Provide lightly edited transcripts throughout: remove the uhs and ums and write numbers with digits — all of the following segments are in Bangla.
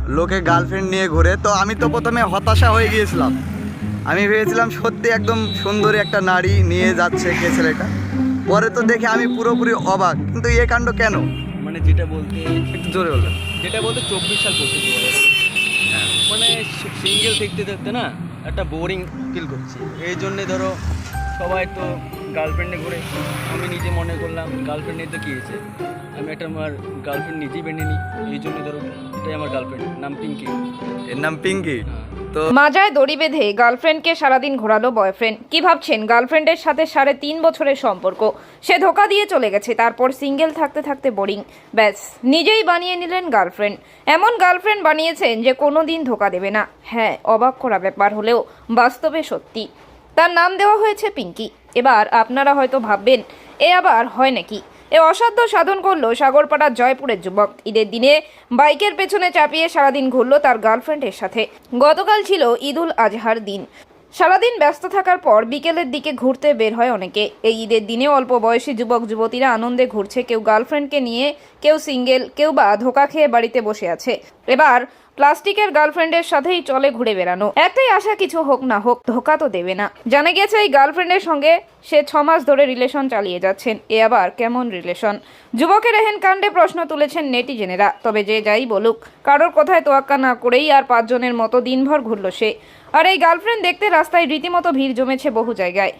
লোকে গার্লফ্রেন্ড নিয়ে ঘুরে, তো আমি তো প্রথমে হতাশা হয়ে গিয়েছিলাম। আমি ভেবেছিলাম সত্যি একদম সুন্দরী একটা নারী নিয়ে যাচ্ছে কে ছেলেটা। পরে তো দেখে আমি পুরোপুরি অবাক, কিন্তু এ কাণ্ড কেন? মানে যেটা বলতে একটু জোরে বলবেন। 24 সাল পড়তেছি বলে মানে সিঙ্গেল দেখতে দেখতে না একটা বোরিং ফিল করছি। এই জন্যে ধরো সবাই তো গার্লফ্রেন্ডে ঘুরে, আমি নিজে মনে করলাম গার্লফ্রেন্ড নিয়ে তো কী হয়েছে, আমি একটা আমার গার্লফ্রেন্ড নিজেই বেঁধে নিই। এই জন্য ধরো এটাই আমার গার্লফ্রেন্ড, নাম পিঙ্কি। এর নাম পিঙ্কি। তো মাজায় দড়ি বেঁধে গার্লফ্রেন্ডকে সারাদিন ঘোরালো বয়ফ্রেন্ড। কি ভাবছেন? গার্লফ্রেন্ডের সাথে 3.5 বছরের সম্পর্ক, সে ধোকা দিয়ে চলে গেছে। তারপর সিঙ্গেল থাকতে থাকতে বোরিং, ব্যাস নিজেই বানিয়ে নিলেন গার্লফ্রেন্ড। এমন গার্লফ্রেন্ড বানিয়েছেন যে কোনোদিন ধোকা দেবে না। হ্যাঁ, অবাক করা ব্যাপার হলেও বাস্তবে সত্যি। তার নাম দেওয়া হয়েছে পিঙ্কি। এবার আপনারা হয়তো ভাববেন, এ আবার হয় নাকি? এ অসাধ্য সাধন করলো সাগরপাড়ার জয়পুরের যুবক। ঈদের দিনে বাইকের পেছনে চাপিয়ে সারাদিন ঘুরল তার গার্লফ্রেন্ডের সাথে। গতকাল ছিল ঈদুল আজহার দিন। সারাদিন ব্যস্ত থাকার পর বিকেলের দিকে ঘুরতে বের হয় অনেকে। এই ঈদের দিনে অল্প বয়সী যুবক যুবতীরা আনন্দে ঘুরছে, কেউ গার্লফ্রেন্ডকে নিয়ে, কেউ সিঙ্গেল, কেউ বা ধোকা খেয়ে বাড়িতে বসে আছে। এবার প্লাস্টিকের গার্লফ্রেন্ডের সাথেই চলে ঘুরে বেড়ানো। একটাই আশা, কিছু হোক না হোক, ধোকা তো দেবে না। জানা গেছে এই গার্লফ্রেন্ডের সঙ্গে সে 6 মাস ধরে রিলেশন চালিয়ে যাচ্ছেন। এ আবার কেমন রিলেশন? যুবকের এহেন কাণ্ডে প্রশ্ন তুলেছেন নেটিজেনেরা। তবে যে যাই বলুক, কারোর কথায় তোয়াক্কা না করেই আর 5 জনের মতো দিনভর ঘুরল সে। আর এই গার্লফ্রেন্ড দেখতে রাস্তায় রীতিমতো ভিড় জমেছে বহু জায়গায়।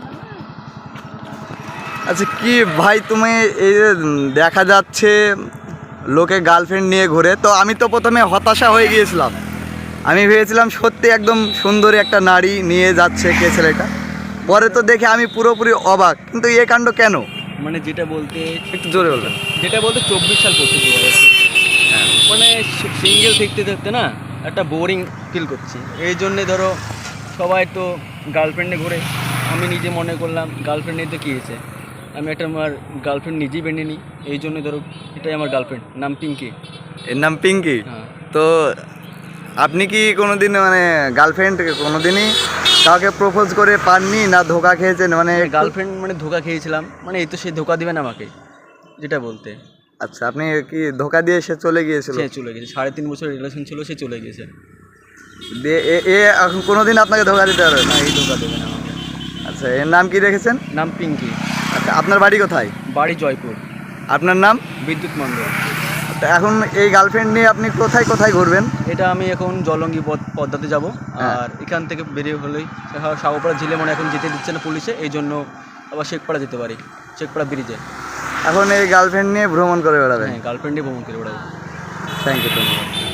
আচ্ছা, কি ভাই তুমি এই যে দেখা যাচ্ছে লোকে গার্লফ্রেন্ড নিয়ে ঘুরে, তো আমি তো প্রথমে হতাশা হয়ে গিয়েছিলাম। আমি ভেবেছিলাম সত্যি একদম সুন্দরী একটা নারী নিয়ে যাচ্ছে কে ছেলেটা। পরে তো দেখে আমি পুরোপুরি অবাক, কিন্তু এ কাণ্ড কেন? মানে যেটা বলতে একটু জোরে বলবেন। 24 সাল পড়তেছি বলে মানে সিঙ্গেল দেখতে দেখতে না একটা বোরিং ফিল করছি। এই জন্যে ধরো সবাই তো গার্লফ্রেন্ডে ঘুরে, আমি নিজে মনে করলাম গার্লফ্রেন্ড নিয়ে তো কী হয়েছে, আমি একটা আমার গার্লফ্রেন্ড নিজেই বেঁধে নিই। এই জন্য ধরো এটাই আমার গার্লফ্রেন্ড, নাম পিঙ্কি। এর নাম পিঙ্কি। হ্যাঁ। তো আপনি কি কোনোদিন মানে গার্লফ্রেন্ড কোনোদিনই কাউকে প্রপোজ করে পাননি, না ধোকা খেয়েছেন? মানে গার্লফ্রেন্ড মানে ধোকা খেয়েছিলাম, মানে এই তো সে ধোকা দিবে না আমাকে, যেটা বলতে। আচ্ছা, আপনি কি ধোকা দিয়ে সে চলে গিয়েছিল? সে চলে গেছে, 3.5 বছর রিলেশন ছিল, সে চলে গেছে। দিয়ে এ এখন কোনোদিন আপনাকে ধোকা দিতে পারবে না? না, এই ধোকা দেবে না আমাকে। আচ্ছা, এর নাম কি রেখেছেন? নাম পিঙ্কি। আচ্ছা, আপনার বাড়ি কোথায়? বাড়ি জয়পুর। আপনার নাম? বিদ্যুৎ মণ্ডল। তো এখন এই গার্লফ্রেন্ড নিয়ে আপনি কোথায় কোথায় ঘুরবেন? এটা আমি এখন জলঙ্গি পদ্মাতে যাব। হ্যাঁ। আর এখান থেকে বেরিয়ে হলেই সাগরপাড়া ঝিলে মানে এখন যেতে দিচ্ছে না পুলিশে, এই জন্য আবার শেখপাড়া যেতে পারি, শেখপাড়া ব্রিজে। এখন এই গার্লফ্রেন্ড নিয়ে ভ্রমণ করে বেড়াবেন? হ্যাঁ, গার্লফ্রেন্ডে ভ্রমণ করে বেড়াবো। Thank you.